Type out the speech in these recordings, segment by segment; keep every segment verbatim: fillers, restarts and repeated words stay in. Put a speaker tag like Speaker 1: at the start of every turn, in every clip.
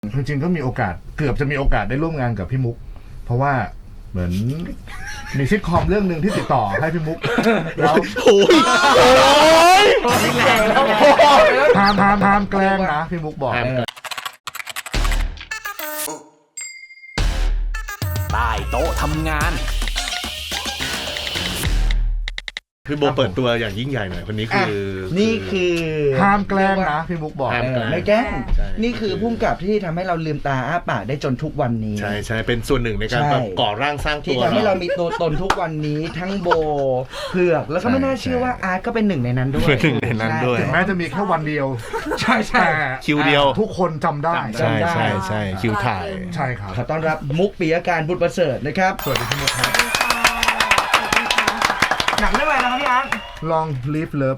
Speaker 1: จริงๆก็มีโอกาสเกือบจะมีโอกาสได้ร่วมงานกับพี่มุกเพราะว่าเหมือนมีซิทคอมเรื่องหนึ่งที่ติดต่อให้พี่มุกแล้ว
Speaker 2: โอ้ย
Speaker 1: พามพามพามแกล้งนะพี่มุกบอก
Speaker 3: ใต้โต๊ะทำงาน
Speaker 2: คือโบเปิดตัวอย่างยิ่งใหญ่หน่อยคนนี้คือ
Speaker 4: นี่คือ
Speaker 1: ห้ามแกล้งนะพี่มุกบอก
Speaker 4: ไม่แกล้งนี่คือพุ่งกับที่ทำให้เราลืมตาอ้าปากได้จนทุกวันนี้
Speaker 2: ใช่ใช่เป็นส่วนหนึ่งในการก่อร่างสร้างตัว
Speaker 4: ที่ทำให้เรามีตัวตนทุกวันนี้ทั้งโบเผือกแล้วก็ไม่น่าเชื่อว่าอาร์ตก็เป็นหนึ่งในนั้นด้วย
Speaker 2: หนึ่งในนั้นด้วย
Speaker 1: ถึงแม้จะมีแค่วันเดียว
Speaker 4: ใช่ใช่
Speaker 2: คิวเดียว
Speaker 1: ทุกคนจำได้
Speaker 2: ใช่ใช่ใช่คิวถ่าย
Speaker 1: ใช่ครับ
Speaker 4: ขอต้อนรับมุกปิยการบุตรประเสริฐนะครับ
Speaker 1: สวัสดีพี่มุกครับ
Speaker 4: หนังเรื่องอะไรนะครับพี่อาร์ต
Speaker 1: ลอง live love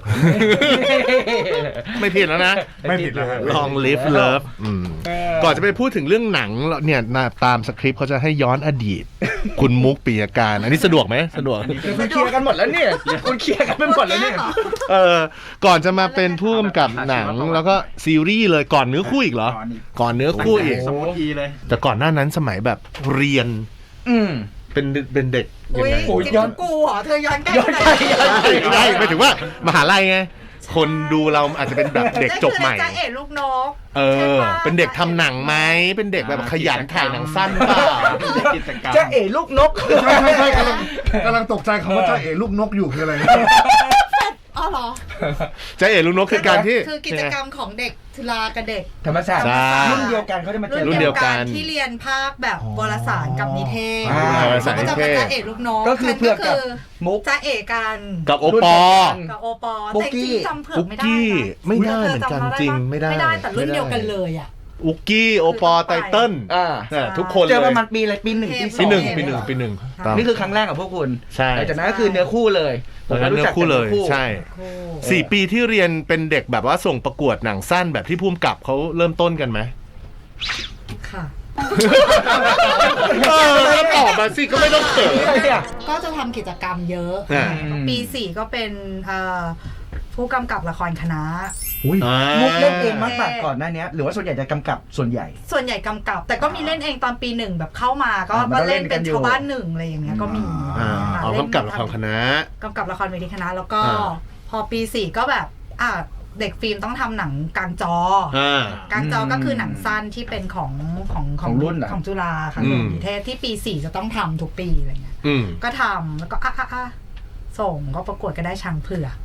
Speaker 2: ไม่ผิดแล้วนะ
Speaker 1: ไม่ผิดแล้ว
Speaker 2: ลอง live love ก่อนจะไปพูดถึงเรื่องหนังเนี่ยตามสคริปต์เขาจะให้ย้อนอดีตคุณมุกปิยการอันนี้สะดวกไหมสะดวก
Speaker 4: คุณเคลียร์กันหมดแล้วเนี่ยคุณเคลียร์กันไปหมดแล้วเนี่ย
Speaker 2: เออก่อนจะมาเป็นผู้กำกับหนังแล้วก็ซีรีส์เลยก่อนเนื้อคู่อีกเหรอก่อนเนื้อคู่อีก
Speaker 4: สมุทีเลย
Speaker 2: แต่ก่อนหน้านั้นสมัยแบบเรียน
Speaker 4: อืม
Speaker 2: เป็นเป็นเด็กยังไง
Speaker 5: ย้อนกูเหรอเธอย้อนใกล้
Speaker 2: ย้อนใกล้ใช่ไม่ถึงว่ามหาลัยไงคนดูเราอาจจะเป็นแบบเด็กจบใหม่
Speaker 5: จ้าเอ๋ลูกนก
Speaker 2: เออเป็นเด็กทำหนังไหมเป็นเด็กแบบขยันถ่ายหนังสั้นเปล่า
Speaker 4: จ้าเอ๋ลูกนก
Speaker 1: ใช่ใช่ใช่กำลังกำลังตกใจคำว่าจ้าเอ๋ลูกนกอยู่คืออะไร
Speaker 5: อ๋อเหรอ
Speaker 2: จ้าเอ๋ลูกนกคือการที่
Speaker 5: คือกิจกรรมของเด็กทุลากับเด็ก
Speaker 4: ธรรมศาสตร์รุ่นเดียวกันเขาจะมาเจอ
Speaker 5: รุ่นเดียวกันที่เรียนภาคแบบวารสารกับนิเทศก็จะเป็นจ้าเอ๋ลูกนก
Speaker 4: ก็คือเพื่อกับ
Speaker 5: มุกจ้าเอ๋กัน
Speaker 2: กับโอปอ
Speaker 5: กับโอปอแต่จริงจำเผือกไม่ได้
Speaker 2: ไม่ได้เหมือนกันจริงไม่ได้
Speaker 5: ไม่ได้แต่รุ่นเดียวกันเลยอ่ะ
Speaker 2: อุกกี้โอปอไตเติ้ลทุกคนเลย
Speaker 4: เจอประมาณปีอะไรปีหนึ่งปีสอง
Speaker 2: ปีหนึ่งปีหนึ่งปีหนึ่ง
Speaker 4: นี่คือครั้งแรกกับพวกคุณ
Speaker 2: ใช่
Speaker 4: หลังจากนั้นก็คือเนื้อคู่เลย
Speaker 2: ผมก็รู้จักคู่เลยใช่สี่ปีที่เรียนเป็นเด็กแบบว่าส่งประกวดหนังสั้นแบบที่พุ่มกับเขาเริ่มต้นกันไหม
Speaker 5: ค่ะ
Speaker 2: เออแล้วตอบมาสิก็ไม่ต้องเขิน
Speaker 5: ก็จะทำกิจกรรมเยอะปีสี่ก็เป็นผู้กำกับละครคณะ
Speaker 4: มุกเล่นเองมากกว่าก่อนหน้านี้หรือว่าส่วนใหญ่จะกำกับส่วนใหญ่
Speaker 5: ส่วนใหญ่กำกับแต่ก็มีเล่นเองตอนปีหนึ่งแบบเข้ามาก็ก็เล่นเป็นชาวบ้านหนึ่งอะไรอย่างเงี้ยก็มี
Speaker 2: อ๋อกำกับละครคณะ
Speaker 5: กำกับละครเวทีคณะแล้วก็พอปีสี่ก็แบบอ่ะเด็กฟิล์มต้องทำหนังกลางจอกลางจอก็คือหนังสั้นที่เป็นของของ
Speaker 4: ของรุ่น
Speaker 5: ของจุฬาค่ะนิเทศที่ปีสี่จะต้องทำทุกปีอะไรเงี้ยก็ทำแล้วก็อ่ะอ่ะส่งก็ประกวดก็ได้ช้างเผือก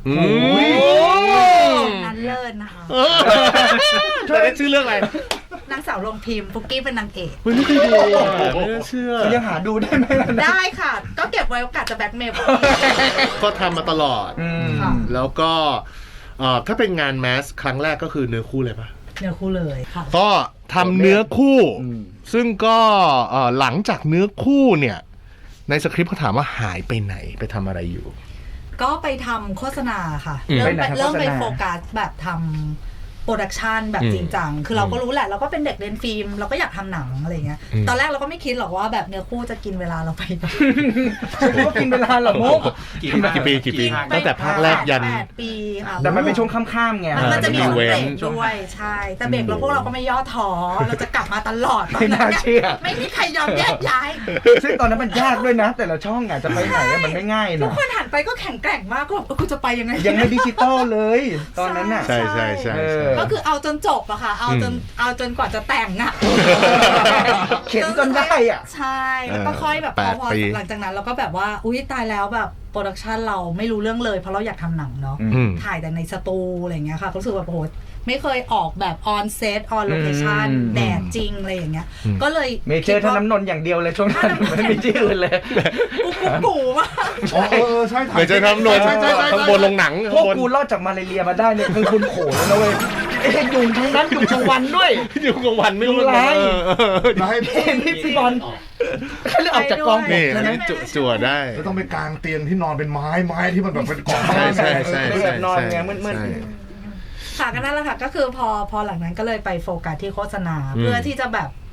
Speaker 5: นั้นเลิศนะคะ
Speaker 2: จะได้ชื่อเรื่องอะไร
Speaker 5: นางสาวลงพิมพ์ฟุกกี้เป็นนางเอก
Speaker 2: ไม่เคยดูไม่เชื่อ
Speaker 4: ยังหาดูได้ไหม
Speaker 5: ได้ค่ะก็เก็บไว้โอกาสจะแบ็คเมล
Speaker 2: ก็ทำมาตลอดแล้วก็ถ้าเป็นงานแมสครั้งแรกก็คือเนื้อคู่เลยปะ
Speaker 5: เนื้อคู่เลยค่ะ
Speaker 2: ก็ทำเนื้อคู่ซึ่งก็หลังจากเนื้อคู่เนี่ยในสคริปต์เขาถามว่าหายไปไหนไปทำอะไรอยู่
Speaker 5: ก็ไปทำโฆษณาค่ะเริ่มไปเริ่มไปโฟกัสแบบทำโปรดักชันแบบจริงจังคือเราก็รู้แหละเราก็เป็นเด็กเรียนฟิล์มเราก็อยากทำหนังอะไรเงี้ยตอนแรกเราก็ไม่คิดหรอกว่าแบบเนื้อคู่จะกินเวลาเราไป
Speaker 4: ก็กินเวลาหรอมุก
Speaker 2: กี่ปีกี่ปีตั้งแต่ภาคแรกยัน
Speaker 5: แปดปีค่ะ
Speaker 4: แต่มันเป็นช่วงข้ามๆไง
Speaker 5: มันจะมีช่วงเบรกด้วยใช่แต่เบรกเราพวกเราก็ไม่ย่อท้อเราจะกลับมาตลอด
Speaker 4: ไม่น่าเชื่อ
Speaker 5: ไม่มีใครยอมแยกย้าย
Speaker 4: ซึ่งตอนนั้นมันยากด้วยนะแต่ละช่องอ่ะจะไปไหนมันไม่ง่ายนะ
Speaker 5: ทุกคนหันไปก็แข็งแกร่งมากก็แบบกูจะไปยังไง
Speaker 4: ยังไม่ดิจิตอลเลยตอนนั้นอ่ะ
Speaker 2: ใช่ใช่ใช่
Speaker 5: ก็คือเอาจนจบอะค่ะเอาจนเอาจนกว่าจะแต่งอะ
Speaker 4: เข็นจนได้อ่ะ
Speaker 5: ใช่แล้วก็ค่อยแบบพอหลังจากนั้นเราก็แบบว่าอุ้ยตายแล้วแบบโปรดักชันเราไม่รู้เรื่องเลยเพราะเราอยากทำหนังเนาะถ่ายแต่ในสตูอะไรเงี้ยค่ะรู้สึกว่าโอ้โหไม่เคยออกแบบออนเซตออนโลเคชั่นแดดจริงอะไรอย่างเงี้ยก็เลย
Speaker 4: เมเจอร์ท่าน้ำนนอย่างเดียวเลยช่วงนั้นไม่มีที่อื่นเลย
Speaker 5: กูกูกูมาก
Speaker 1: อ๋อเออใช่
Speaker 2: เมเจอร์ท่าน้ำนนข้างบนลงหนัง
Speaker 4: พวกกูรอดจากมาเลเรียมาได้เนี่ยคือคุณโขนแล้วนะเว้ยไอ้ยุงทั้งนั้นยุงกลางวันด้วย
Speaker 2: ยุงกลางวันไม่รู้
Speaker 4: อะไรให้พี่พี่บอลแค่เลือกออกจากกอง
Speaker 2: นี่จั่วได้
Speaker 1: จะต้องไปกางเตียงที่นอนเป็นไม้ไม้ที่มันแบบเป็นกอง
Speaker 2: ใช่ใช่ใช่
Speaker 4: แบบนอนไงมืด
Speaker 5: ค่ะก็นั่นแหละค่ะก็คือพอพอหลังนั้นก็เลยไปโฟกัสที่โฆษณาเพื่อที่จะแบบ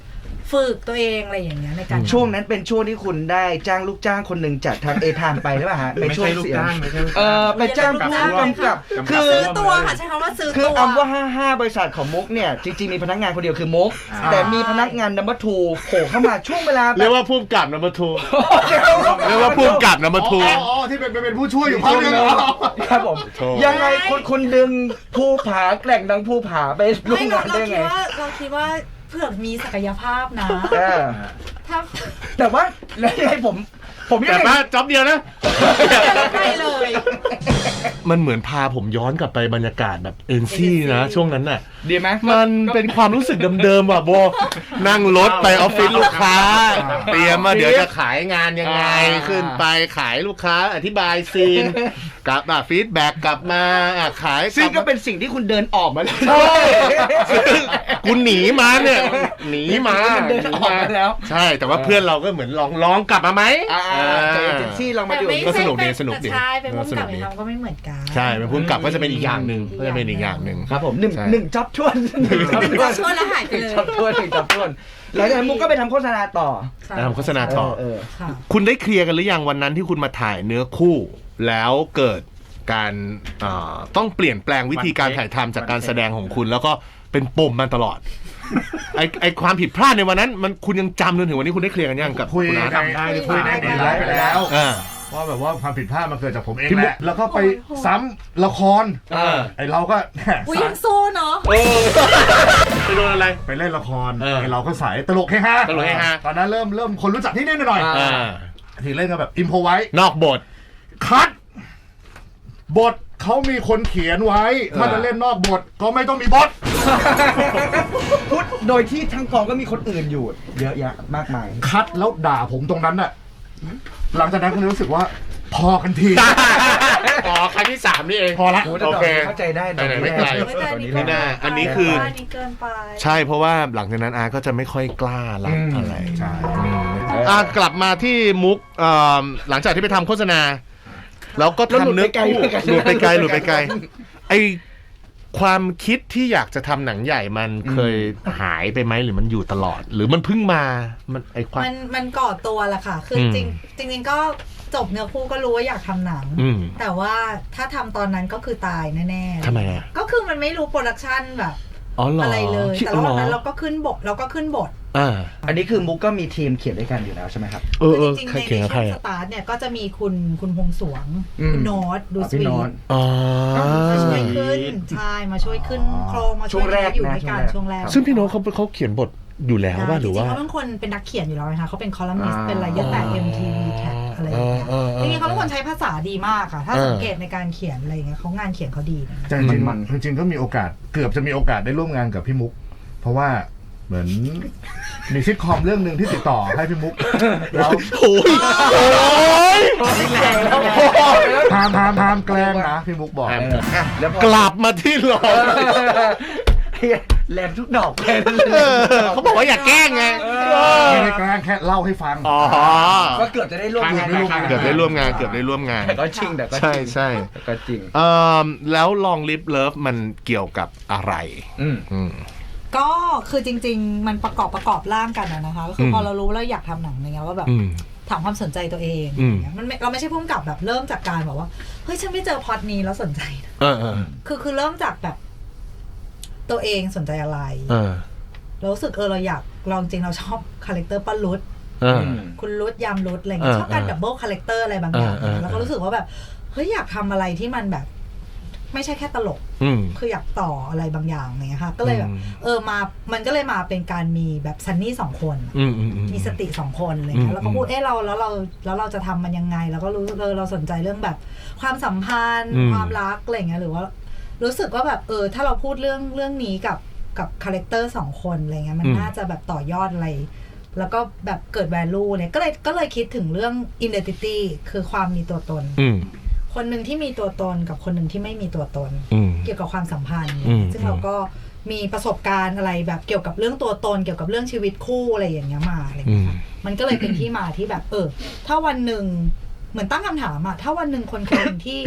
Speaker 5: ฝึกตัวเองอะไรอย่างเงี้ยในการ
Speaker 4: ช่วงนั้นเป็นช่วงที่คุณได้จ้างลูกจ้างคนหนึ่งจากทางเอทามไปหรือเปล่าฮะในช่วงเสียงเออไปจ้างผู้กำกับคือ
Speaker 5: ซื้อตัวค่ะใช้คำว่าซื้อ
Speaker 4: คือ
Speaker 5: ตัว
Speaker 4: อัมว่าห้าห้าบริษัทของมุกเนี่ยจริงๆมีพนักงานคนเดียวคือมุกแต่มีพนักงานนัมเบอร์ทูโผล่เข้ามาช่วงเวลา
Speaker 2: เรียกว่าผู้กำกับนัมเบอร์ทูเรียกว่าผู้กำกับนัมเบอร์ทู
Speaker 1: อ๋อที่เป็นเป็นผู้ช่วยอยู่พักนึงเหรอ
Speaker 4: ครับผมยังไงคนคนดึงภูผาแกล่งดังภูผาไปร่วม
Speaker 5: ไม่
Speaker 4: งา
Speaker 5: เรา
Speaker 4: น
Speaker 5: เรา
Speaker 4: ได้
Speaker 5: คิ
Speaker 4: ไง
Speaker 5: ดว่าเราคิดว่าเผื่อมีศักยภาพนะ
Speaker 4: เออ
Speaker 5: ถ้า
Speaker 4: แต่ว่าแล้วยังไงผมผมยัง
Speaker 2: แต่
Speaker 4: ไง
Speaker 2: ว่าจ็อบเดียวนะ
Speaker 5: ไปเลย
Speaker 2: มันเหมือนพาผมย้อนกลับไปบรรยากาศแบบเอ็นซี่นะช่วงนั้นน่ะ
Speaker 4: ดีไหม
Speaker 2: มันเป็นความรู้สึกเดิมๆว่ะโบ นั่งรถไปออฟฟิศลูกค้า เตรียมมาเดี๋ยวจะขายงานยังไง ขึ้นไปขายลูกค้าอธิบายซีนกลับมาฟีดแบ็กกลับมาอ่ะขาย
Speaker 4: ซึ่ง
Speaker 2: ลั
Speaker 4: ก็
Speaker 2: บมา
Speaker 4: เป็นสิ่งที่คุณเดินออกมาเลย
Speaker 2: ใช่ซึ่งกูหนีมาเนี่ยหนีมา
Speaker 4: มันเดินออกมาแล้ว
Speaker 2: ใช่แต่ว่าเพื่อนเราก็เหมือนลองลองกลับมาไหม
Speaker 4: อ่า
Speaker 2: อ่า
Speaker 4: จากเอเจนซี่เรามา
Speaker 5: แต่
Speaker 4: อยู่
Speaker 5: ไม่
Speaker 2: ก็สนุกดี
Speaker 5: ใช่
Speaker 2: สนุกดี
Speaker 5: ใช่เป็น
Speaker 2: ก็
Speaker 5: ผู้
Speaker 2: สนุ
Speaker 5: กำ
Speaker 2: ก
Speaker 5: กับ
Speaker 2: ดี
Speaker 5: ทำก็ไม่เหมือนกัน
Speaker 2: ใช่เป็นผู้กำกับก็จะเป็นอีกอย่างหนึ่งก็จะเป็นอีกอย่างหนึ่ง
Speaker 4: ครับผมหนึ่ง
Speaker 2: ใช่
Speaker 4: หนึ่งจ็อบชวนหนึ่งจ็อบชวน
Speaker 5: ช่วยแล้วหายไปเลย
Speaker 4: จ็อบชวนหนึ่งจ็อบชวนหลังจากนั้นมุกก็ไปทำโฆษณาต่อ
Speaker 2: ทำโฆษณาต่อ
Speaker 4: เออ
Speaker 5: ค่ะ
Speaker 2: คุณได้เคลียร์กันหรือยังวันนั้นที่คุณมาถ่ายเนื้อคู่ แล้วเกิดการเอ่อต้องเปลี่ยนแปลงวิธีการถ่ายทำจากการแสดงของคุณ แล้วก็เป็นปมมาตลอด ไอไอความผิดพลาดในวันนั้น มันคุณยังจำจนถึงวันนี้คุณได้เคลียร์กันยังกับ
Speaker 1: คุย
Speaker 2: คุณ
Speaker 1: ใน
Speaker 2: อาร์ต
Speaker 1: คุยในดีไลฟ์ไปแล้ว
Speaker 2: อ่า
Speaker 1: ว่าแบบว่าความผิดพลาดมันเกิดจากผมเอง
Speaker 2: พี่
Speaker 1: แห
Speaker 2: มุก
Speaker 1: ละแล้วก็ไปซ้ำละคร
Speaker 2: เออ
Speaker 1: ไอเราก็
Speaker 5: อุ้ยยังสู้เนาะ
Speaker 2: ไปโดนอะไร
Speaker 1: ไปเล่นละคร
Speaker 2: เออ
Speaker 1: ไอเราก็สายตลกเฮฮา
Speaker 2: ตลกเฮฮา
Speaker 1: ตอนนั้นเริ่มเริ่มคนรู้จักที่นี่หน่อย
Speaker 2: อ่า
Speaker 1: ทีเล่นกันแบบอิมโพไว้
Speaker 2: นอกบท
Speaker 1: คัดบทเขามีคนเขียนไว้ ถ้าจะเล่นนอกบทก็ไม่ต้องมีบท
Speaker 4: พูดโดยที่ทั้งกองก็มีคนอื่นอยู่ เยอะแยะมากมาย
Speaker 1: คัดแล้วด่าผมตรงนั้นน่ะหลังจากนั้นก็เลยรู้สึกว่า พอกันที
Speaker 2: อ๋อครั้งที่สามนี่เอง
Speaker 1: พอละ
Speaker 4: โอ้
Speaker 2: โอเค
Speaker 4: เข้าใจได้
Speaker 2: ไหนๆไม่ไกล
Speaker 5: ไม่แต่อันนี้
Speaker 2: ไม่น่าอันนี้คือ
Speaker 5: อันนี้เกินไป
Speaker 2: ใช่เพราะว่าหลังจากนั้นอาร์ตก็จะไม่ค่อยกล้ารับ
Speaker 4: อืม
Speaker 2: อะไร
Speaker 1: ใช่
Speaker 2: อ่ะกลับมาที่มุกเอ่อหลังจากที่ไปทำโฆษณา แล้วก็
Speaker 4: แล้วหลุด
Speaker 2: ทำเนื้อ
Speaker 4: ไปไกล
Speaker 2: คู่
Speaker 4: เหมือนกัน
Speaker 2: หลุดไปไกลหลุดไปไกลไอความคิดที่อยากจะทำหนังใหญ่มันเคยหายไปไหมหรือมันอยู่ตลอด หรือมันเพิ่งมามันไอความ
Speaker 5: มันมันก่อตัวแหละค่ะ คืออ
Speaker 2: ม
Speaker 5: จริงจริงๆก็จบเนื้อคู่ก็รู้ว่าอยากทำหนัง
Speaker 2: อืม
Speaker 5: แต่ว่าถ้าทำตอนนั้นก็คือตายแน่ๆ
Speaker 2: ทำไมอ่ะ
Speaker 5: ก็คือมันไม่รู้โปรดักชันแบบ
Speaker 2: อ๋อเหรอ
Speaker 5: อะไรเลย
Speaker 2: คิด
Speaker 5: แต่ระหว่างนั้น
Speaker 2: เหรอ
Speaker 5: เราก็ขึ้นบทเราก็ขึ้นบท
Speaker 2: อ่า
Speaker 4: อันนี้คือมุกก็มีทีมเขียนด้วยกันอยู่แล้วใช่ไหมครับ
Speaker 2: เออเออ
Speaker 5: จริงๆ
Speaker 2: ใคร
Speaker 5: ใน
Speaker 2: เขียนกับใคร
Speaker 5: ช่วงส
Speaker 2: อ่ะ
Speaker 5: ตาร์ทเนี่ยก็จะมีคุณคุณพงษ์สวง
Speaker 4: อืม
Speaker 5: คุณโน้ตดู
Speaker 4: อ๋อ
Speaker 5: ส
Speaker 4: พี่
Speaker 5: วี
Speaker 4: โน้ต
Speaker 5: ท
Speaker 2: อ๋อ
Speaker 5: มาช่วยขึ้นใช่มาช่วยขึ้นโครงมา
Speaker 4: ช่
Speaker 5: ช่ว
Speaker 4: วย งแรก
Speaker 5: อยู่
Speaker 4: นะ
Speaker 5: ด้วยกัน
Speaker 4: ช่
Speaker 5: ช่
Speaker 4: ว
Speaker 5: ว
Speaker 4: ง
Speaker 5: ง
Speaker 4: แร
Speaker 5: แร
Speaker 4: ก
Speaker 5: ก
Speaker 2: ซึ่งพี่โน้ตเขาเขาเขียนบทอยู่แล้วว่าหรือว่า
Speaker 5: จงๆเขาเป็นคนเป็นนักเขียนอยู่แล้วนะคะเขาเป็นคอลัมนิสต์
Speaker 4: อ่า
Speaker 5: เป็นอะไรเยอะแต่ เอ็ม ที วี Tag อะไรอย่างเงี้ย
Speaker 2: เออเออเออ
Speaker 5: จริงๆเขาเป็นคนใช้ภาษาดีมากค่ะถ้า
Speaker 2: เออ
Speaker 5: สังเกตในการเขียนอะไรอย่างเงี้ยเขางานเขียนเขาดีนะ
Speaker 1: จริง
Speaker 4: มัน
Speaker 1: ๆจริงๆก็มีโอกาสเกือบจะมีโอกาสได้ร่วมงานกับพี่มุก เพราะว่าเหมือนมีซิทคอมเรื่องหนึ่งที่ติดต่อให้พี่มุกแล้ว
Speaker 2: โอ้ยโอ้ย
Speaker 1: พามพามพามแกล้งนะพี่มุกบอก
Speaker 2: แอม
Speaker 4: เอออ่ะแล้วพอก
Speaker 2: ลับมาที่หลอ
Speaker 4: เฮียแหลมทุกดอกเลย
Speaker 2: เออเขาบอกว่าอย่าแกล้งไง
Speaker 1: ไม่ได้แกล้งแค่เล่าให้ฟัง
Speaker 2: อ๋อ
Speaker 4: ก็เกือบจะได้ร่วมงาน
Speaker 2: เกือบได้ร่วมงานเกือบได้ร่วมงาน
Speaker 4: แต่ก็จริงแต่ก็จ
Speaker 2: ใช่
Speaker 4: ริง
Speaker 2: ใช่
Speaker 4: แต่ก็จริง
Speaker 2: เอ่อแล้วลองลิฟเลิฟมันเกี่ยวกับอะไร
Speaker 4: อืม
Speaker 2: อืม
Speaker 5: ก็คือจริง ๆ มันประกอบประกอบร่างกันอะนะคะก็คืออ
Speaker 2: ม
Speaker 5: พอเรารู้แล้วอยากทำหนังอะไรเงี้ยว่าแบบ
Speaker 2: อืม
Speaker 5: ถามความสนใจตัวเอง
Speaker 2: อืม
Speaker 5: อย่างเงี้ยมันไม่เราไม่ใช่พุ่งกับแบบเริ่มจากการแบบว่าเฮ้ยฉันไม่เจอพล็อตนี้แล้วสนใจนะ
Speaker 2: เออเออ
Speaker 5: คือคือเริ่มจากแบบ ตัวเองสนใจอะไร
Speaker 2: เออ
Speaker 5: เรารู้สึกเออเราอยากลองจริงเราชอบคาแรคเตอร์ป้ารุด
Speaker 2: เออ
Speaker 5: คุณรุดยามรุดอะไรเงี้ย
Speaker 2: เออ
Speaker 5: ชอบการ
Speaker 2: เออ
Speaker 5: ดับเบิลคาแรคเตอร์อะไรบางอย่าง
Speaker 2: เออเออ
Speaker 5: แล้วก็รู้สึกว่าแบบเฮ้ยอยากทำอะไรที่มันแบบ ไม่ใช่แค่ตลก
Speaker 2: อืม
Speaker 5: คืออยากต่ออะไรบางอย่างอะไรเงี้ยค่ะ ก็เลยแบบ
Speaker 2: อืม
Speaker 5: เออมามันก็เลยมาเป็นการมีแบบซันนี่สองคน
Speaker 2: อืมอืมอืม
Speaker 5: มีสติสองคนอะไร
Speaker 2: อื
Speaker 5: เงี้
Speaker 2: ม
Speaker 5: ยแล้วก็พูดเออเราแล้วเราแล้วเราจะทำมันยังไง แล้วก็รู้เออเราสนใจเรื่องแบบ ความสัมพันธ์
Speaker 2: อืม
Speaker 5: ความรักอะไรเงี้ยหรือว่า รู้สึกว่าแบบเออถ้าเราพูดเรื่องเรื่องนี้กับกับคาแรคเตอร์สองคนอะไรเงี้ยมันน่าจะแบบต่อยอดอะไร แล้วก็แบบเกิด value เนี่ยก็เลยก็เลยคิดถึงเรื่อง identity คือความมีตัวตน
Speaker 2: อืม
Speaker 5: คนหนึ่งที่มีตัวตนกับคนหนึ่งที่ไม่มีตัวตน
Speaker 2: อืม
Speaker 5: เกี่ยวกับความสัมพันธ์
Speaker 2: อืม
Speaker 5: ซึ่งเราก็มีประสบการณ์อะไรแบบเกี่ยวกับเรื่องตัวตน เกี่ยวกับเรื่องชีวิตคู่อะไรอย่างเงี้ยมาอะไรอย่างเงี้ยค่ะมันก็เลยเป็นที่มาที่แบบ เออ ถ้าวันหนึ่งเหมือนตั้งคำถามอะถ้าวันหนึ่งคนคนหนึ่งที่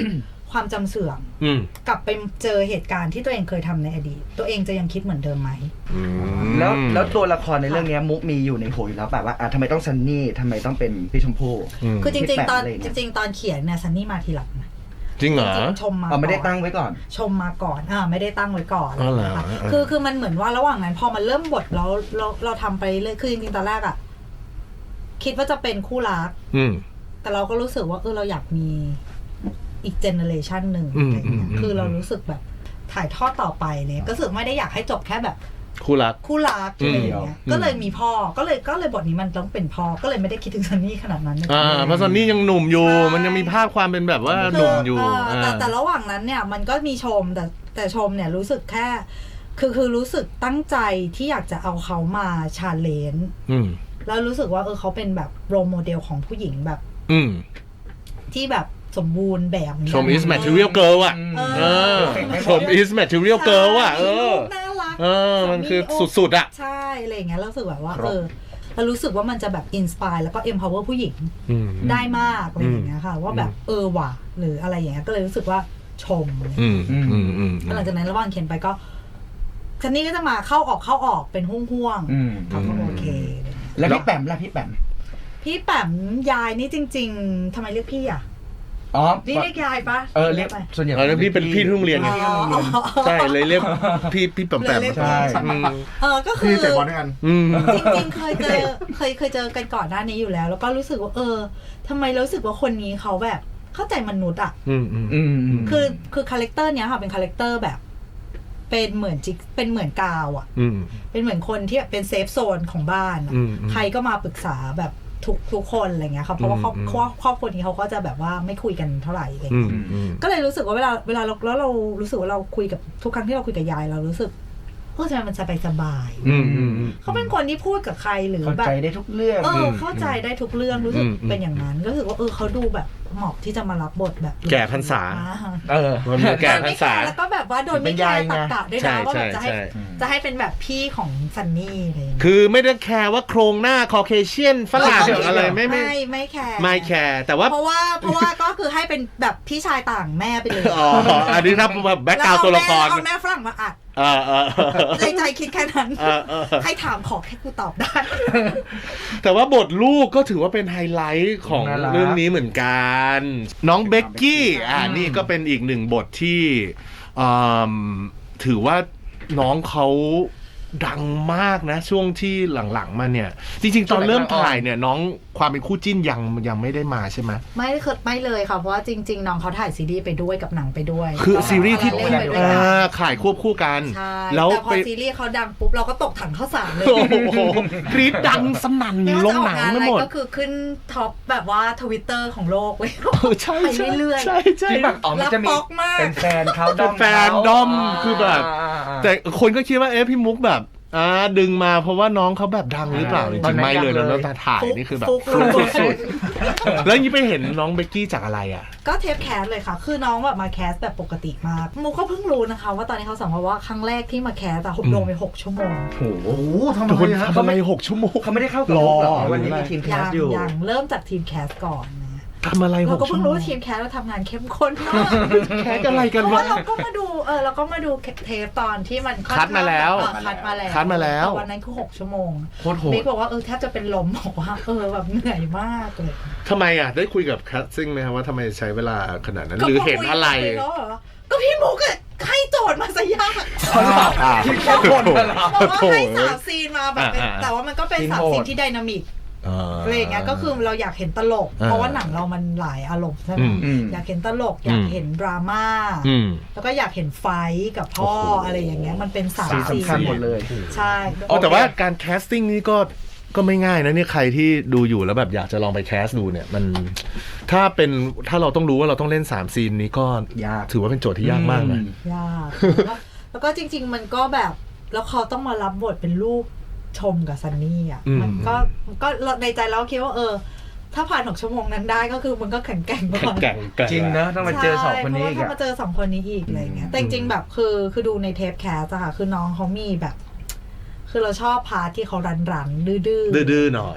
Speaker 5: ความจำเสื่อม
Speaker 2: อืม
Speaker 5: กลับไปเจอเหตุการณ์ที่ตัวเองเคยทำในอดีตตัวเองจะยังคิดเหมือนเดิมไหม
Speaker 2: อืม
Speaker 4: แล้วแล้วตัวละครในเรื่องเนี้ยมุกมีอยู่ในหัวอยู่แล้วแบบว่าอ่ะทำไมต้องซันนี่ทำไมต้องเป็นพี่ชมพู่
Speaker 5: คือจริงๆตอน
Speaker 4: ที่แปะอะไรเนี่ย
Speaker 5: จริงๆตอนเขียนเนี่ยซันนี่มาทีหลังนะ
Speaker 2: จริงเหรอ
Speaker 5: จริงๆชมมา
Speaker 4: อ๋อไม่ได้
Speaker 5: ก่อน
Speaker 4: ตั้งไว้ก่อน
Speaker 5: ชมมาก่อนอ่าไม่ได้ตั้งไว้ก่อน
Speaker 2: อ๋อเหรอ
Speaker 5: นะคะ
Speaker 2: เออ
Speaker 5: คือคือมันเหมือนว่าระหว่างนั้นพอมันเริ่มบทแล้วเราเราทำไปเรื่อยคือจริงๆตอนแรกอะคิดว่าจะเป็นคู่รัก
Speaker 2: อืม
Speaker 5: แต่เราก็รู้สึกว่าเออเราอยากมีอีกเจเนอเรชันหนึ่ง
Speaker 2: อืม
Speaker 5: อะไรเงี้ย
Speaker 2: อืม
Speaker 5: คือเรารู้สึกแบบถ่ายทอดต่อไปเลยก็รู้สึกไม่ได้อยากให้จบแค่แบบ
Speaker 2: คู่รัก
Speaker 5: คู่รักอะไรอย่างเงี้ย
Speaker 2: อืม
Speaker 5: ก็เลยมีพ่อก็เลยก็เลยบทนี้มันต้องเป็นพ่อก็เลยไม่ได้คิดถึงซันนี่ขนาดนั้น
Speaker 2: อ่าเพราะซันนี่ยังหนุ่มอยู่ มันยังมีภาพความเป็นแบบว่าหนุ่มอยู่
Speaker 5: คืเแต่แต่ระหว่างนั้นเนี่ยมันก็มีชมแต่แต่ชมเนี่ยรู้สึกแค่ คือคือรู้สึกตั้งใจที่อยากจะเอาเขามาชาเลนจ์
Speaker 2: อืม
Speaker 5: แล้วรู้สึกว่าเออเขาเป็นแบบโรโมเดลของผู้หญิงแบบ
Speaker 2: อืม
Speaker 5: ที่แบบสมบูรณ์แบบนี้
Speaker 2: ชม is material girl อ่ะ
Speaker 5: เอ
Speaker 2: เอ
Speaker 5: อ
Speaker 2: อ ชม is material girl อ่ะ เออ
Speaker 5: น่ารัก
Speaker 2: เออ มันคือสุดๆอ่ะ
Speaker 5: ใช่อะไรอย่างเงี้ยแล้วรู้สึกแบบว่า
Speaker 4: ครับ
Speaker 5: เออเรารู้สึกว่ามันจะแบบอินสปายแล้วก็ empower ผู้หญิง
Speaker 2: อืม
Speaker 5: ได้มากอะไรอย่างเงี้ยค่ะ ว่าแบบเออว่ะหรืออะไรอย่างเงี้ยก็เลยรู้สึกว่าชม
Speaker 2: อืม อืม อืมอืม
Speaker 5: แล้วหลังจากนั้นระหว่างเขียนไปก็ซันนี่ก็จะมาเข้าออกเข้าออกเป็นห่วง
Speaker 4: อืม
Speaker 5: ๆเขาก็โอเค
Speaker 4: แล้วพี่แปมล่ะพี่แปม
Speaker 5: พี่แปมยายนี่จริง ๆทำไมเรียกพี่อ่ะ
Speaker 4: อ๋อ
Speaker 5: นี่เรียกยายปะ
Speaker 4: เออเรียก
Speaker 5: ไป
Speaker 4: ส่วนใหญ่
Speaker 2: อ๋อแล้วพี่เป็นพี่ที่โรงเรียนไง
Speaker 5: อ๋อ
Speaker 2: ใช่ เลยเรียกพี่พี่แปมแปม
Speaker 5: เลยเรียก
Speaker 4: ใช่
Speaker 2: อืม
Speaker 5: เออก็คื
Speaker 1: พี่
Speaker 5: อ
Speaker 1: เตะบอลด้วยกัน
Speaker 2: อืม
Speaker 5: จริงๆเคยเจอเคยเคยเจอกันก่อนหน้านี้อยู่แล้ว แล้วก็รู้สึกว่าเออทำไมรู้สึกว่าคนนี้เขาแบบเข้าใจมนุษย์อ่ะ
Speaker 2: อืมอืม
Speaker 4: อืมอืม
Speaker 5: คือคือคาแรคเตอร์เนี้ยค่ะเป็นคาแรคเตอร์แบบ เป็นเหมือนจิกเป็นเหมือนกาวอ่ะ
Speaker 2: อืม
Speaker 5: เป็นเหมือนคนที่แบบเป็นเซฟโซนของบ้านอะ
Speaker 2: อืม
Speaker 5: ใครก็มาปรึกษาแบบทุกทุกคนอะไรเงี้ยครับเพราะว่าครอบ
Speaker 2: อืม
Speaker 5: ครอบครอบครัวนี้เขาก็จะแบบว่าไม่คุยกันเท่าไหร่อะไร
Speaker 2: อืม
Speaker 5: เงี้ย
Speaker 2: อืม
Speaker 5: ก็เลยรู้สึกว่าเวลาเวลาเราแล้วเรารู้สึกว่าเราคุยกับทุกครั้งที่เราคุยกับยายเรารู้สึกเออทำไมมันสบายสบายๆ
Speaker 2: อืมอืมอืม
Speaker 5: เขาเป็นคนที่พูดกับใครหรือ
Speaker 4: เข้า
Speaker 5: แบบ
Speaker 4: ใจได้ทุกเรื่อง
Speaker 5: เออเข้าใจได้ทุกเรื่องรู้สึก
Speaker 2: อืมอืม
Speaker 5: เป็นอย่างนั้นก็รู้สึกว่าเออเขาดูแบบเหมาะที่จะมารับบทแบบ
Speaker 2: แก่พรรษา
Speaker 4: เออ
Speaker 2: มันมีแก่พรรษา
Speaker 5: แล้วก็แบบว่าโดยไม่
Speaker 4: เป็น
Speaker 5: แค
Speaker 4: ยาย
Speaker 5: ร์
Speaker 4: ไง
Speaker 5: ตักกะด้วย
Speaker 2: ใช่
Speaker 5: นะว่าแบบจะให้
Speaker 2: ใช่
Speaker 5: จะให้เป็นแบบพี่ของซันนี่อะไรอย่างเงี้ย
Speaker 2: คือไม่ได้แคร์ว่าโครงหน้าคอเคเชียนฝรั่งอะไรไม่ไม่
Speaker 5: ไม่ไม่แคร์
Speaker 2: ไม่แคร์แต่ว่า
Speaker 5: เพราะว่าเพราะว่าก็คือให้เป็นแบบพี่ชายต่างแม่ไปเลย
Speaker 2: อ๋ออันนี้ถ้าแบบแบ็คกราวตัวละคร
Speaker 5: เอาแม่ฝรั่งมาอัด
Speaker 2: เออเออ
Speaker 5: ใจใจคิดแค่นั้น
Speaker 2: เออเออ
Speaker 5: ให้ถามขอแค่กูตอบได้
Speaker 2: แต่ว่าบทลูกก็ถือว่าเป็นไฮไลท์ของ
Speaker 4: น่ารัก
Speaker 2: เรื่องนี้เหมือนกัน น้องเบกกี้อ่านี่ก็เป็นอีกหนึ่งบทที่อืมถือว่าน้องเขาดังมากนะ ช่วงที่หลังๆมาเนี่ย จริงๆ ตอนเริ่มถ่ายเนี่ย น้องความเป็นคู่จิ้นยังยังไม่ได้มาใช่ไหม
Speaker 5: ไม่ได้เคยไม่เลยค่ะเพราะว่าจริง ๆ น้องเขาถ่ายซีรีส์ไปด้วยกับหนังไปด้วย
Speaker 2: คือซีรีส์ที่
Speaker 5: เล่นไปด้วย
Speaker 2: อ่
Speaker 5: กัน
Speaker 2: าขายควบคู่กัน
Speaker 5: ใช่
Speaker 2: แล้ว
Speaker 5: แต่พอ
Speaker 2: ไป
Speaker 5: ซีรีส์เขาดังปุ๊บเราก็ตกถังข้าวสารเลย
Speaker 2: โอ้โหกรี๊ดดังสนั่น
Speaker 5: ไม่ว่า
Speaker 2: ล
Speaker 5: จะ
Speaker 2: ง
Speaker 5: ออก
Speaker 2: หนัง
Speaker 5: งาน
Speaker 2: ไม่
Speaker 5: อะไร
Speaker 2: หมด
Speaker 5: ก็คือขึ้นท็อปแบบว่าทวิตเตอร์ของโลกเว้ย
Speaker 2: เออใช่
Speaker 5: ไป
Speaker 2: ใช่
Speaker 5: เรื่อยๆ
Speaker 2: ใช่ใช่
Speaker 4: ที่แบบอ๋อมันจะมี
Speaker 5: แล้วป๊อกมาก
Speaker 4: เป็นแฟนเขาดอม
Speaker 2: เป็นแฟนดอมคือแบบ แต่คนก็คิดว่าเอ๊ะพี่มุกแบบอ่าดึงมาเพราะว่าน้องเขาแบบดังหรือเปล่าจริงๆไม่เลยแล้วตาถ่ายนี่คือแบบ
Speaker 5: ฟุก
Speaker 2: ฟุก
Speaker 5: ฟุก
Speaker 2: สุดๆแล้วยี่ไปเห็นน้องเบกกี้จากอะไรอ่ะ
Speaker 5: ก็เทปแคสเลยค่ะ คือน้องแบบมาแคสแบบปกติมากมูก็เพิ่งรู้นะคะ ว่าตอนนี้เขาสัมภาษณ์ว่าครั้งแรกที่มาแคสแต่หกโดนไปหกชั่วโมง
Speaker 4: โอ้โห
Speaker 1: โอ้โหทำไม
Speaker 2: ทุกคน
Speaker 1: ฮะ
Speaker 2: ทำไมหกชั่วโมง
Speaker 4: เขาไม่ได้เข้ากับลูกเหรอวันนี้มีทีมแค
Speaker 5: ยั
Speaker 4: ส
Speaker 5: ง
Speaker 4: อยู่
Speaker 5: ยังเริ่มจากทีมแคสก่อนนะ
Speaker 2: ทำอะไรห
Speaker 5: เรา
Speaker 2: ก
Speaker 5: ก็
Speaker 2: ชั่
Speaker 5: เพิ่
Speaker 2: ว
Speaker 5: ง
Speaker 2: โม
Speaker 5: รู้
Speaker 2: ง
Speaker 5: ว่าทีมแคสเราทำงานเข้มข้นมาก
Speaker 2: แคสอะไรกัน
Speaker 5: เพราะ
Speaker 2: วะ
Speaker 5: ว่าเราก็มาดูเออเราก็มาดูเทปตอนที่มันค่อน
Speaker 2: คัดมาแล้ว
Speaker 5: เออคัดมาแล้ว
Speaker 2: คัดมาแล้ว
Speaker 5: ต่วันนั้นคือหกชั่วโมง
Speaker 4: โคตรโหด
Speaker 5: บิ๊กบอกว่าเออแทบจะเป็นลมบอกว่าเออแบบเหนื่อยมากเลย
Speaker 2: ทำไมอ่ะได้คุยกับแคสซิ่งไหมครับว่าทำไมใช้เวลาขนาดนั้น หรือเห็นอะไร
Speaker 5: ก็คุยกันปแล้วเหรอก็พี่มุกอะให้โจทย์มาซะยาก
Speaker 2: อ่า
Speaker 4: ที่แค่คนเหรอ
Speaker 5: บอกว่าให้สามซีนมาแบบเป็น
Speaker 2: อ่าๆ
Speaker 5: แต่ว่ามันก็เป็น
Speaker 4: ซีน
Speaker 5: สาม
Speaker 4: โหด
Speaker 5: ซีนที่ไดนามิกอะไรอย่างเงี้ยก็คือเราอยากเห็นตลก
Speaker 2: อ่า
Speaker 5: เพราะว่าหนังเรามันหลายอารมณ์ใช่ไหม
Speaker 2: อืม
Speaker 4: อืม
Speaker 5: อยากเห็นตลก อยากเห็นดราม่า
Speaker 2: อืม
Speaker 5: แล้วก็อยากเห็นไฟท์กับพ่อ
Speaker 2: โอ้โห
Speaker 5: อะไรอย่างเงี้ยมันเป็นสาม
Speaker 4: สี
Speaker 5: ซีน
Speaker 4: สำคัญหมดเลย
Speaker 5: ใช่
Speaker 2: อ๋อแต่ว่าการแคสติ้งนี่ก็ก็ไม่ง่ายนะเนี่ยใครที่ดูอยู่แล้วแบบอยากจะลองไปแคสดูเนี่ยมันถ้าเป็นถ้าเราต้องรู้ว่าเราต้องเล่นสามซีนนี้ก็
Speaker 4: ยาก
Speaker 2: ถือว่าเป็นโจทย์ที่ยากมากนะ
Speaker 5: ยากแล้วก็แล้วก็จริง ๆ มันก็แบบแล้วเขาต้องมารับบทเป็นลูกชมกับซันนี่อ่ะ
Speaker 2: อืม
Speaker 5: มันก็ก็ในใจเราคิดว่าเออ ถ้าผ่านหกชั่วโมงนั้นได้ก็คือมันก็แข็งแกร่งกว่า
Speaker 2: แก่งแก่ง
Speaker 4: จริงนะต้องมาเจอสองคนนี้อีก
Speaker 5: ใช่เพราะว่าถ้า
Speaker 4: อะ
Speaker 5: มาเจอสองคนนี้อีกอะไรเงี้ยแต่จริงๆแบบคือคือดูในเทปแคสอะค่ะคือน้องเขามีแบบ คือเราชอบพาร์ทที่เขารันรันๆดื้อๆ
Speaker 2: ดื้อๆหน่อย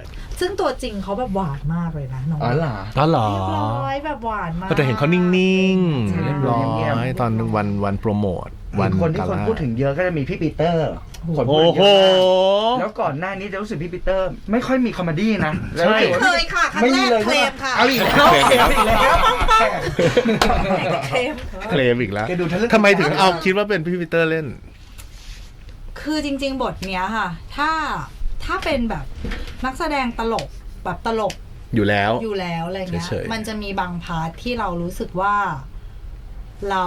Speaker 5: ซึ่งตัวจริงเขาแบบหวานมากเลยนะน้อง
Speaker 4: อ๋อเหรอ
Speaker 2: อ๋อเหรอ
Speaker 5: เรียบร้อยแบบหวานมาก
Speaker 2: ก็จะเห็นเขานิ่ง
Speaker 5: ใช่
Speaker 2: ๆเรียบร้อยตอนวันวันโปรโมทวัน
Speaker 4: คนที่
Speaker 2: กา
Speaker 4: คน
Speaker 2: ล่า
Speaker 4: พูดถึงเยอะก็จะมีพี่ปีเตอร์คนพูด
Speaker 2: โอ้
Speaker 4: ถึง
Speaker 2: โห
Speaker 4: เยอะมากแล้วก่อนหน้านี้จะรู้สึกพี่ปีเตอร์ ไม่ค่อยมีคอมเมดี้นะแล้ว
Speaker 2: ใช่
Speaker 5: เคยค่ะครั้ง
Speaker 4: ไม่
Speaker 5: แร
Speaker 4: มี
Speaker 5: ก
Speaker 4: เลย
Speaker 5: เคลมค่ะ
Speaker 4: เอาอีกแล้วเคลมอีกแล้ว
Speaker 5: เคลม
Speaker 2: เคลมอีกแล้ว
Speaker 4: แกดูทะลึ่ง
Speaker 2: ทำไมถึงเอาคิดว่าเป็นพี่ปีเตอร์เล่น
Speaker 5: คือจริง ๆ บทเนี้ยค่ะ ถ้าถ้าเป็นแบบนักแสดงตลกแบบตลก
Speaker 2: อยู่แล้ว
Speaker 5: อยู่แล้วอะไรเงี้ย
Speaker 2: เฉยๆ
Speaker 5: มันจะมีบางพาร์ทที่เรารู้สึกว่าเรา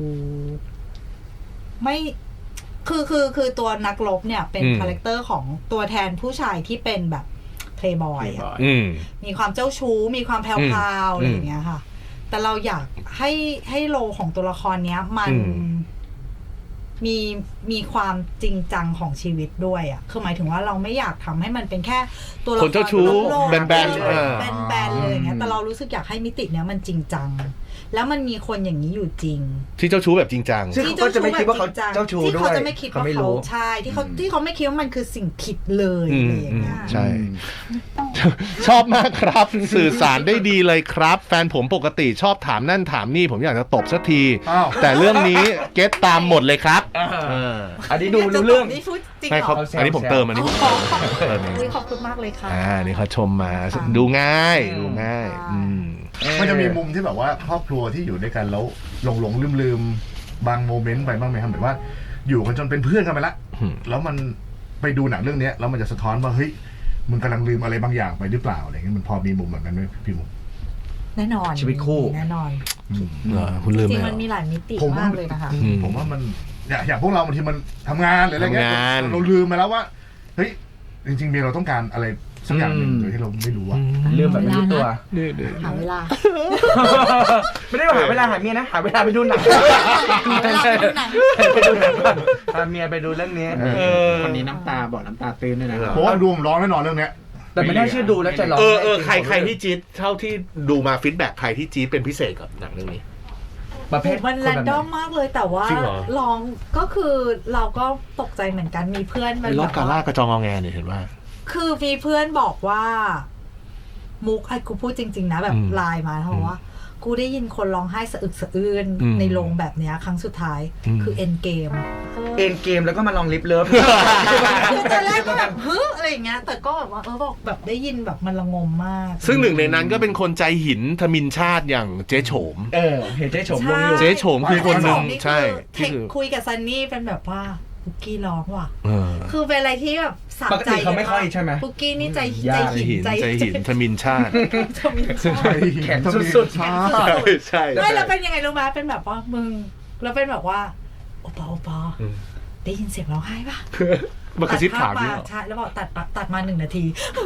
Speaker 5: ไม่คือคือคือตัวนักรบเนี่ยเป็นคาแรคเตอร์ของตัวแทนผู้ชายที่เป็นแบบเพลย์บอยอะ
Speaker 2: อืม
Speaker 5: มีความเจ้าชู้ มีความแพรวๆอะไรอย่างเงี้ยค่ะ แต่เราอยากให้ให้โลของตัวละครเนี้ย มัน
Speaker 2: อืม
Speaker 5: มีมีความจริงจังของชีวิตด้วยอ่ะคือหมายถึงว่าเราไม่อยากทำให้มันเป็นแค่ตัวละค
Speaker 2: ค
Speaker 5: ร
Speaker 2: นเจ้าชู้
Speaker 5: โลกๆ
Speaker 2: แบนๆ
Speaker 5: เออ
Speaker 2: เออ
Speaker 5: แบนๆเลยอย่างเงี้ยแต่เรารู้สึกอยากให้มิติเนี้ยมันจริงจัง แล้วมันมีคนอย่างนี้อยู่จริง
Speaker 2: ที่เจ้าชู้แบบจริงจัง
Speaker 4: ซึ่งเขาก็จะไม่คิดว่าเขาเจ้าชู้
Speaker 5: ที่
Speaker 4: ด้ว
Speaker 5: เขา
Speaker 4: ย
Speaker 5: จะไม่คิดว่า
Speaker 4: เขาไม่
Speaker 5: เขา
Speaker 4: รู้
Speaker 5: ใช่ที่เขาที่เขาไม่คิดว่ามันคือสิ่งผิดเลย
Speaker 2: อื
Speaker 5: อะไร
Speaker 2: ม
Speaker 5: อย่างเงี้ย
Speaker 2: อืมใช่ ชอบมากครับ สื่อสารได้ดีเลยครับ แฟนผมปกติชอบถามนั่นถามนี่ ผมอยากจะตบสักที
Speaker 1: อ้าว
Speaker 2: แต่เรื่องนี้เก็ตตามหมดเลยครับเออ
Speaker 4: อันนี้ดูรู้เรื่อง
Speaker 5: นี่พูดจริง
Speaker 2: ไม่
Speaker 5: เหร
Speaker 2: เขา
Speaker 5: อ
Speaker 2: อันนี้ผมเติมอันนี้ผมเติมเติมเอง
Speaker 5: อุ๊ยขอบคุณมากเลยค่ะ
Speaker 2: อ่านี่เขาชมมา
Speaker 5: ค่ะ
Speaker 2: ดูง่ายดูง่าย
Speaker 5: ใช่
Speaker 2: อืม
Speaker 1: มันจะมีมุมที่แบบว่าครอบครัวที่อยู่ด้วยกันแล้วหลงหลงลืมลืมๆบางโมเมนต์ไปบ้างไหมครับแบบว่า อยู่กันจนเป็นเพื่อนกันไปละ
Speaker 2: อืม
Speaker 1: แล้วมันไปดูหนังเรื่องเนี้ยแล้วมันจะสะท้อนว่าเฮ้ยมึงกำลังลืมอะไรบางอย่างไปหรือเปล่าอะไรเงี้ยมันพอมีมุมแบบนั้นไหมพี่มุก
Speaker 5: แน่นอน
Speaker 4: ชีวิตคู่
Speaker 5: แน่นอน
Speaker 2: เหรอคุณลืม
Speaker 5: จ
Speaker 2: ไห
Speaker 5: ริ
Speaker 2: ม
Speaker 5: งๆมันมีหลายมิติ
Speaker 1: ผม
Speaker 5: มากเลยนะคะ
Speaker 2: อืม
Speaker 1: ผมว่ามันอย่างอย่างพวกเราบางทีมันทำงานหรืออะไรเงี้ย
Speaker 2: ทำงาน
Speaker 1: เราลืมไปแล้วว่าเฮ้ยจริงๆเมียเราต้องการอะไรสักอย่างหนึ่ง
Speaker 4: อืม
Speaker 1: โดยที่เราไม่รู้อะ
Speaker 4: เรื่องแบบไม่รู้ตัว
Speaker 5: หาเวลา
Speaker 4: ไม่ได้หาเวลาหาเมียนะ หาเวลาไปดูหนัง
Speaker 5: หาเวลาไปดูหนัง
Speaker 4: ไปดูหนังก่อนพาเมียไปดูเรื่องนี้
Speaker 1: เออ
Speaker 6: คนนี้น้ำตาบอกน้ำตาตื้นด้วยนะ
Speaker 1: ผมว่าดูผมร้องแน่นอนเรื่องเนี้ย
Speaker 4: แต่ไม่น่าเชื่อดูแล้วจะร้อง
Speaker 2: เออเออ
Speaker 4: ไห้
Speaker 2: ใครใครที่จี๊ดเท่าที่ดูมาฟีดแบ็กใครที่จี๊ดเป็นพิเศษกับหนังเรื่องนี้
Speaker 4: ประเภท
Speaker 5: มัน
Speaker 4: ค
Speaker 5: แร
Speaker 4: น
Speaker 5: น
Speaker 4: แบบ
Speaker 5: ดอมมากเลยแต่ว่า
Speaker 2: จริงเหรอ
Speaker 5: ลองก็คือเราก็ตกใจเหมือนกันมีเพื่อนมัน
Speaker 2: ร
Speaker 5: แบ
Speaker 2: อบบ กาล่ากระจองงอแงเนี่ยเห็นว่า
Speaker 5: คือมีเพื่อนบอกว่า มุกไอ้กูพูดจริง ๆ นะแบบ
Speaker 2: อืม
Speaker 5: ไลน์มาเขาบอกว่า กูได้ยินคนร้องไห้สะอึกสะอื้น
Speaker 2: อืม
Speaker 5: ในโรงแบบเนี้ยครั้งสุดท้าย
Speaker 2: อืม
Speaker 5: คือเอ็นเกม
Speaker 4: เอ็นเกมแล้วก็มาลองลิฟเลิฟ
Speaker 5: คือตอนแรกก็แบบเฮ้ยอะไรอย่างเงี้ย แต่ก็แบบว่าเออบอกแบบได้ยินแบบมันระงมมาก
Speaker 2: ซึ่งหนึ่งในนั้นก็เป็นคนใจหินทมินชาติอย่างเจ๊โฉม
Speaker 4: เออ เห็นเจ๊ชมลงอยู่
Speaker 2: เจ๊โฉมคือคนหนึ่งใช่
Speaker 5: เท
Speaker 2: ที่
Speaker 5: ค
Speaker 2: คือ
Speaker 5: คุยกับซันนี่เป็นแบบว่าปุกกี้ร้องว่ะ
Speaker 2: เออ
Speaker 5: คือเป็นอะไรที่แบบสะ
Speaker 4: ปก
Speaker 5: ใจ
Speaker 4: ติเขาไม่ค่อยใช่ไหม
Speaker 5: ปุกกี้นี่ใจ
Speaker 4: ยาก
Speaker 5: ใจหิน
Speaker 2: ใจหินใจหินทมินชาติ
Speaker 5: จะมีชอบ
Speaker 4: แขนสุดๆ
Speaker 1: ใช่
Speaker 2: ใช่
Speaker 5: ไม่แล้วเป็นยังไงรู้ไหมเป็นแบบว่ามึงแล้วเป็นแบบว่าโอปอโอปอ
Speaker 2: อืม
Speaker 5: ได้ยินเสียงร้องไห้ปะ
Speaker 2: มากระซิบถาม
Speaker 5: ตัดภพ
Speaker 2: นี่
Speaker 5: มา
Speaker 2: เหรอ
Speaker 5: ใช่แล้วบอกตัดปะตัดมาหนึ่งนาที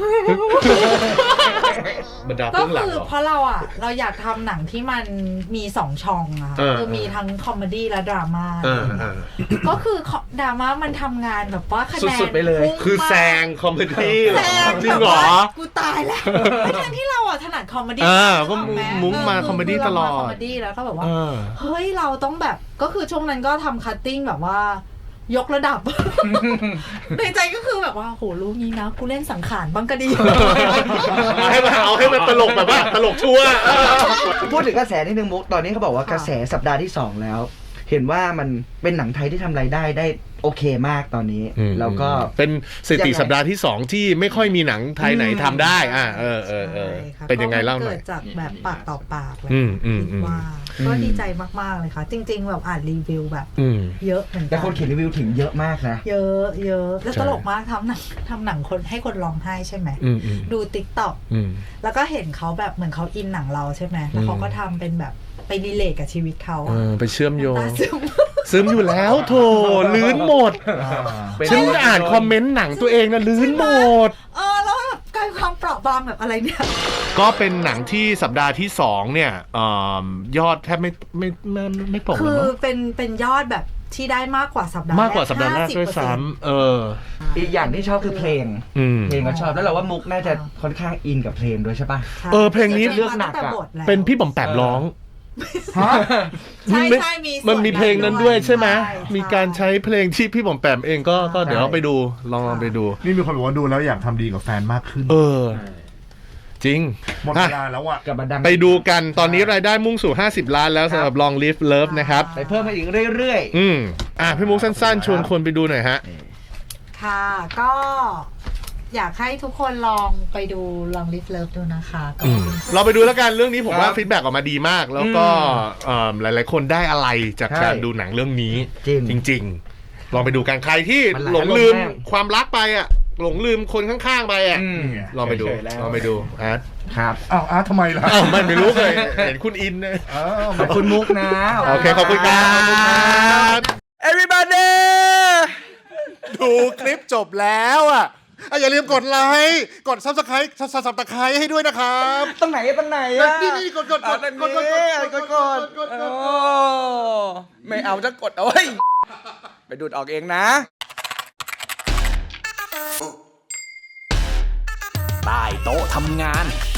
Speaker 2: บรรดา
Speaker 5: ก็
Speaker 2: เบื้องหลัง
Speaker 5: คือ
Speaker 2: เหรอ
Speaker 5: เพราะเราอ่ะ เราอยากทำหนังที่มันมีสองช่องอะ
Speaker 2: เออ
Speaker 5: คือมีทั้งคอมเมดี้และดราม่า
Speaker 2: เออเออ
Speaker 5: ก็คือดราม่ามันทำงานแบบว่าคะแนน
Speaker 4: สุดๆไปเลย
Speaker 5: พุ่ง
Speaker 2: คือ
Speaker 5: มาก
Speaker 2: แซงคอมเมดี้เหร
Speaker 5: แซ
Speaker 2: อง จริงเหรอ
Speaker 5: แบบว่ากูตายแล้วทั้งที่เราอ่ะถนัดคอมเมดี้
Speaker 2: อ่าก็
Speaker 5: ถูไห
Speaker 2: มุ้งมา
Speaker 5: เ
Speaker 2: คอมเมดี้ตลอด
Speaker 5: คอมเมดี้แล้วก็แบบว่า
Speaker 2: เออ
Speaker 5: เฮ้ยเราต้องแบบก็คือช่วงนั้นก็ทำคัตติ้งแบบว่า ยกระดับ ในใจก็คือแบบว่าโหรู้งี้นะกูเล่นสังขารบ้างก็ดี
Speaker 2: เอาให้มันเอาให้มันตลกแบบว่าตลกชัวร์เออ
Speaker 4: พูดถึงกระแสนิดนึงมุก ตอนนี้เขาบอกว่ากระแสสัปดาห์ที่สองแล้ว เห็นว่ามันเป็นหนังไทยที่ทำรายได้ได้โอเคมากตอนนี้ แล้วก็
Speaker 2: เป็นสถิติสัปดาห์ที่สองที่ไม่ค่อยมีหนังไทยไหนทำได้ อ่าเออเออเออ
Speaker 5: ใช่ค่ะ
Speaker 2: เป็นยังไงเล่าหน่อย
Speaker 5: ก็มันเกิดจากแบบปากต่อปากเลย
Speaker 2: อืมอืมอืม
Speaker 5: ว่าก็ดีใจมากๆเลยค่ะ จริง ๆ แบบอ่านรีวิวแบบ
Speaker 2: อืม
Speaker 5: เยอะเหมือน
Speaker 4: แต่
Speaker 5: กั
Speaker 4: คนเขียนรีวิวถึงเยอะมากนะ
Speaker 5: เยอะเยอะแล้ว
Speaker 2: ใช่
Speaker 5: ตลกมากทำหนังทำหนังคนให้คนร้องไห้ใช่ไหม
Speaker 2: อืมอืม
Speaker 5: ดูติ๊กต็อก
Speaker 2: อืม
Speaker 5: แล้วก็เห็นเขาแบบเหมือนเขาอินหนังเราใช่ไหมแล้วเขาก็ทำเป็นแบบไปรีเลทกับชีวิตเขา
Speaker 2: เออไปเชื่อมโยง
Speaker 5: ตาซึม
Speaker 2: ซึมอยู่แล้วโถลื้นหมด
Speaker 4: เป็น
Speaker 2: ฉันอ่านคอมเมนต์หนังตัวเองนะลื้นหมด
Speaker 5: เออแล้วแบบกลายความเปราะบางแบบอะไรเนี่ย
Speaker 2: ก็เป็นหนังที่สัปดาห์ที่สองเนี่ยเอ่อยอดแทบไม่ไม่ไม่ไม่ไม่ตก
Speaker 5: คื
Speaker 2: เลย
Speaker 5: อ
Speaker 2: มั้ง
Speaker 5: เป็นเป็นยอดแบบที่ได้มากกว่าสัปดาห์
Speaker 2: มากกว่าสัปดาห์แรก
Speaker 5: ห้สิบ
Speaker 2: ด้วย
Speaker 5: เปอร์เซ็นต์
Speaker 2: ซ้ำเออ
Speaker 4: อีกอย่างที่ชอบคือเพลง
Speaker 2: อืม
Speaker 4: เพลงก็ชอบ แล้วเราว่ามุกน่าจะค่อนข้างอินกับเพลงด้วยใช่ป่ะ
Speaker 5: ใช่
Speaker 2: เออเพลงนี้
Speaker 4: เลือกหนักอะ
Speaker 5: ตั้งแต่บทแล้ว
Speaker 2: เป็นพี่บอมแปมร้อง
Speaker 1: ฮะ
Speaker 5: ใช่
Speaker 2: ไม่
Speaker 5: ใช่มีส่วน
Speaker 2: มันมีเพลงนั้นด้วยใช่ไหม
Speaker 5: ใช่
Speaker 2: มีการใช้เพลงที่พี่บอมแปมเองก็ก็เดี๋ยวเราไปดูลองลองไปดู
Speaker 1: นี่มีคนบอกว่าดูแล้วอยากทำดีกับแฟนมากขึ้น
Speaker 2: เออจริง
Speaker 1: หมดเวลาแล้วอ่ะ
Speaker 4: กลับมาดัง
Speaker 2: ไปดูกันตอนนี้รายได้มุ่งสู่ห้าสิบล้านแล้วสำหรับ Long Live Love นะครับ
Speaker 4: ไปเพิ่มมาอีกเรื่อย
Speaker 2: อืมอ่ะพี่มุกสั้นๆ ชวนคนไปดูหน่อยฮะ
Speaker 5: ค่ะ ก็อยากให้ทุกคนลองไปดู Long Live Love ดูนะคะก็
Speaker 2: อืมเราไปดูแล้วกันเรื่องนี้ผมว่า
Speaker 4: ครับ
Speaker 2: ฟีดแบ็กออกมาดีมาก แล้วก็เอิ่มหลายๆคนได้อะไรจาก
Speaker 4: ใช่
Speaker 2: การดูหนังเรื่องนี้
Speaker 4: จริง
Speaker 2: จริง ๆ ลองไปดูกันใครที่
Speaker 4: มันหลาย
Speaker 2: หลงลืม
Speaker 4: อารมณ์มาก
Speaker 2: ความรักไปอ่ะ หลงลืมคนข้างๆไปอ่ะ
Speaker 4: ๆอืม
Speaker 2: ลองไปดู
Speaker 6: เฉยๆแล้ว
Speaker 2: ลองไปดูอาร์ต
Speaker 4: ครับ
Speaker 1: อ้าวอาร์ตทำไมล่ะ
Speaker 2: อ้าวไม่ไม่รู้เลย เห็นคุณอินนะ
Speaker 1: อ้าว
Speaker 4: ขอบคุณมุกนะ
Speaker 2: โอเค ขอบคุณครับ
Speaker 4: everybody
Speaker 2: ดูคลิปจบแล้วอ่ะอ่ะอย่าลืมกดไลค์กดซับสไครต์ซับซับสไครต์ให้ด้วยนะครับ
Speaker 4: ตรงไหนตรงไหนอะ
Speaker 2: นี่นี่กดกดกด
Speaker 4: อ่ะ
Speaker 2: กดกดกด
Speaker 4: กดกดกดโอ้ไม่เอาจะกดเอาไว้ยไปดูดออกเองนะ
Speaker 3: ใต้โต๊ะทำงาน